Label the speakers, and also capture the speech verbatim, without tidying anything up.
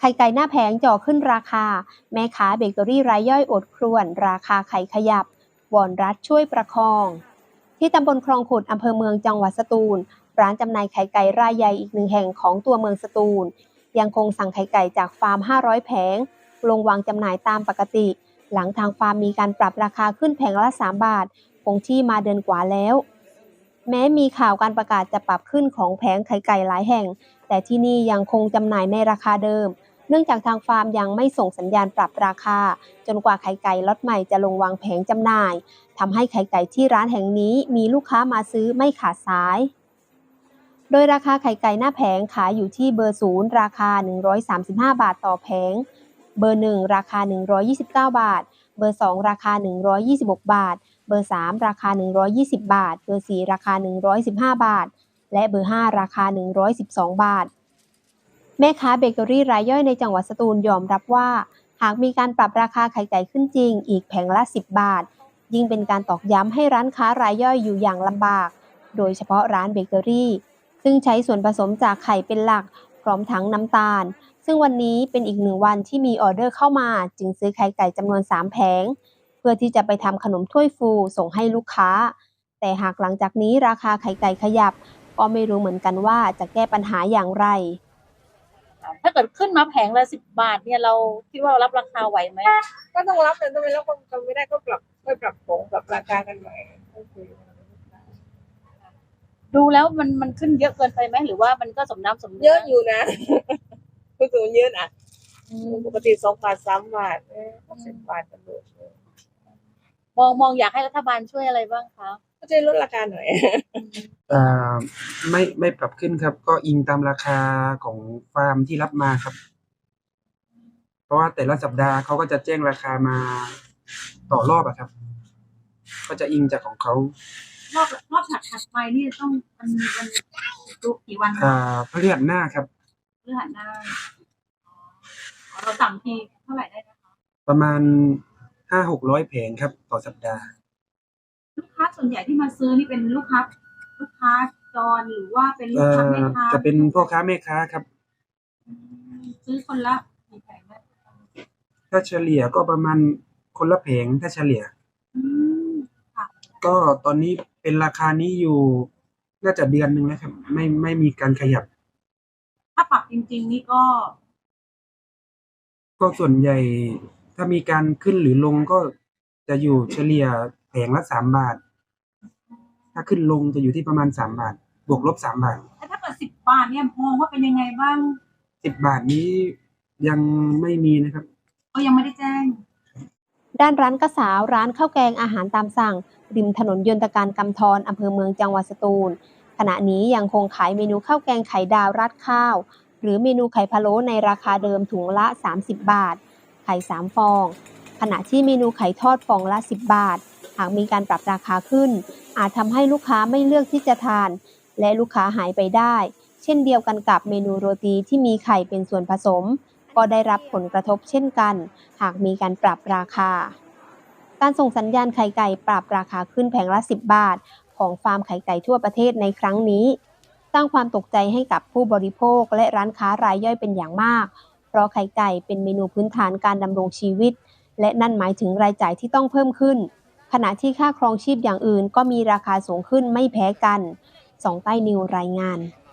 Speaker 1: ข่ไก่หน้าแผงจ่อขึ้นราคาแม่ค้าเบเกอรี่รายย่อยอดครวญราคาไข่ขยับวอนรัฐช่วยประคองที่ตำบลคลองขุดอำเภอเมืองจังหวัดสตูลร้านจำหน่ายไข่ไก่รายใหญ่อีกหนึ่งแห่งของตัวเมืองสตูลยังคงสั่งไข่ไก่จากฟาร์มห้าร้อยแผงลงวางจำหน่ายตามปกติหลังทางฟาร์มมีการปรับราคาขึ้นแผงละสามบาทคงที่มาเดือนกว่าแล้วแม้มีข่าวการประกาศจะปรับขึ้นของแผงไข่ไก่หลายแห่งแต่ที่นี่ยังคงจำหน่ายในราคาเดิมเนื่องจากทางฟาร์มยังไม่ส่งสัญญาณปรับราคาจนกว่าไข่ไก่ล็อตใหม่จะลงวางแผงจำหน่ายทำให้ไข่ไก่ที่ร้านแห่งนี้มีลูกค้ามาซื้อไม่ขาดสายโดยราคาไข่ไก่หน้าแผงขายอยู่ที่เบอร์ศูนย์ราคาหนึ่งร้อยสามสิบห้าบาทต่อแผงเบอร์หนึ่งราคาหนึ่งร้อยยี่สิบเก้าบาทเบอร์สองราคาหนึ่งร้อยยี่สิบหกบาทเบอร์สามราคาหนึ่งร้อยยี่สิบบาทเบอร์สี่ราคาหนึ่งร้อยสิบห้าบาทและเบอร์ห้าราคาหนึ่งร้อยสิบสองบาทแม่ค้าเบเกอรี่รายย่อยในจังหวัดสตูลยอมรับว่าหากมีการปรับราคาไข่ไก่ขึ้นจริงอีกแผงละสิบบาทยิ่งเป็นการตอกย้ำให้ร้านค้ารายย่อยอยู่อย่างลำบากโดยเฉพาะร้านเบเกอรี่ซึ่งใช้ส่วนผสมจากไข่เป็นหลักพร้อมทั้งน้ำตาลซึ่งวันนี้เป็นอีกหนึ่งวันที่มีออเดอร์เข้ามาจึงซื้อไข่ไก่จำนวนสามแผงเพื่อที่จะไปทำขนมถ้วยฟูส่งให้ลูกค้าแต่หากหลังจากนี้ราคาไข่ไก่ขยับก็ไม่รู้เหมือนกันว่าจะแก้ปัญหาอย่างไร
Speaker 2: ถ้าเกิดขึ้นมาแผงละสิบบาทเนี่ยเราคิดว่าเรารับราคาไหวไหม
Speaker 3: ก็ต้องรับแต่ทำไมแล้วคนทำไม่ได้ก็ปรับก็ปรับโผงปรับราคากันใหม่
Speaker 2: ดูแล้วมันมันขึ้นเยอะเกินไปไหมหรือว่ามันก็สมน้ำสมเนื้อ
Speaker 3: เยอะอยู่นะคือสูงเยอะอ่ะปกติสองบาทสามบาทสิบบาทกันเลย
Speaker 2: มองมองอยากให้รัฐบาลช่วยอะไรบ้างคะ
Speaker 3: ก็จะลดราคาหน่อย
Speaker 4: อ่าไม่ไม่ปรับขึ้นครับก็อิงตามราคาของฟาร์มที่รับมาครับเพราะว่าแต่ละสัปดาห์เขาก็จะแจ้งราคามาต่อรอบอะครับก็จะอิงจากของเขา
Speaker 2: รอบรอบถัดถัดไปนี่ต้องมันมันดูกี่วัน
Speaker 4: อ่าพฤหัสหน้าครับ
Speaker 2: พฤหัสหน้าเราสั่งทีเท่าไหร่ได้นะคะ
Speaker 4: ประมาณห้าหกร้อยแผงครับต่อสัปดาห์
Speaker 2: ลูกค้าส่วนใหญ่ที่มาซื้อนี่เป็นลูกค้าลูกค้าจรหรือว่าเป็นลูกค้าแม่ค้า
Speaker 4: จะเป็นพ่อค้าแม่ค้าครับ
Speaker 2: ซื้อคนละกี่แผงได้
Speaker 4: ถ้าเฉลี่ยก็ประมาณคนละแผงถ้าเฉลี่ยก็ตอนนี้เป็นราคานี้อยู่น่าจะเดือนหนึ่งแล้วครับไม่ไม่มีการขยับ
Speaker 2: ถ้าปรับจริงๆนี่ก็
Speaker 4: ก็ส่วนใหญ่ถ้ามีการขึ้นหรือลงก็จะอยู่เฉลี่ยแผงละสามบาทถ้าขึ้นลงจะอยู่ที่ประมาณสามบาทบวกลบสามบาท
Speaker 2: ถ้าเกิดสิบบาทเนี่ยมองว่าเป็นยังไงบ้าง
Speaker 4: สิบบาทนี้ยังไม่มีนะครับ
Speaker 2: ก็ยังไม่ได้แจ้ง
Speaker 1: ด้านร้านกระสาวร้านข้าวแกงอาหารตามสั่งริมถนนยนตการกำธรอำเภอเมืองจังหวัดสตูลขณะนี้ยังคงขายเมนูข้าวแกงไข่ดาวราดข้าวหรือเมนูไข่พะโล้ในราคาเดิมถุงละสามสิบบาทไข่สามฟองขณะที่เมนูไข่ทอดฟองละสิบบาทหากมีการปรับราคาขึ้นอาจทำให้ลูกค้าไม่เลือกที่จะทานและลูกค้าหายไปได้เช่นเดียวกันกับเมนูโรตีที่มีไข่เป็นส่วนผสมก็ได้รับผลกระทบเช่นกันหากมีการปรับราคาการส่งสัญญาณไข่ไก่ปรับราคาขึ้นแผงละสิบบาทของฟาร์มไข่ไก่ทั่วประเทศในครั้งนี้สร้างความตกใจให้กับผู้บริโภคและร้านค้ารายย่อยเป็นอย่างมากเพราะไข่ไก่เป็นเมนูพื้นฐานการดำรงชีวิตและนั่นหมายถึงรายจ่ายที่ต้องเพิ่มขึ้นขณะที่ค่าครองชีพอย่างอื่นก็มีราคาสูงขึ้นไม่แพ้กันสองใต้นิวรายงาน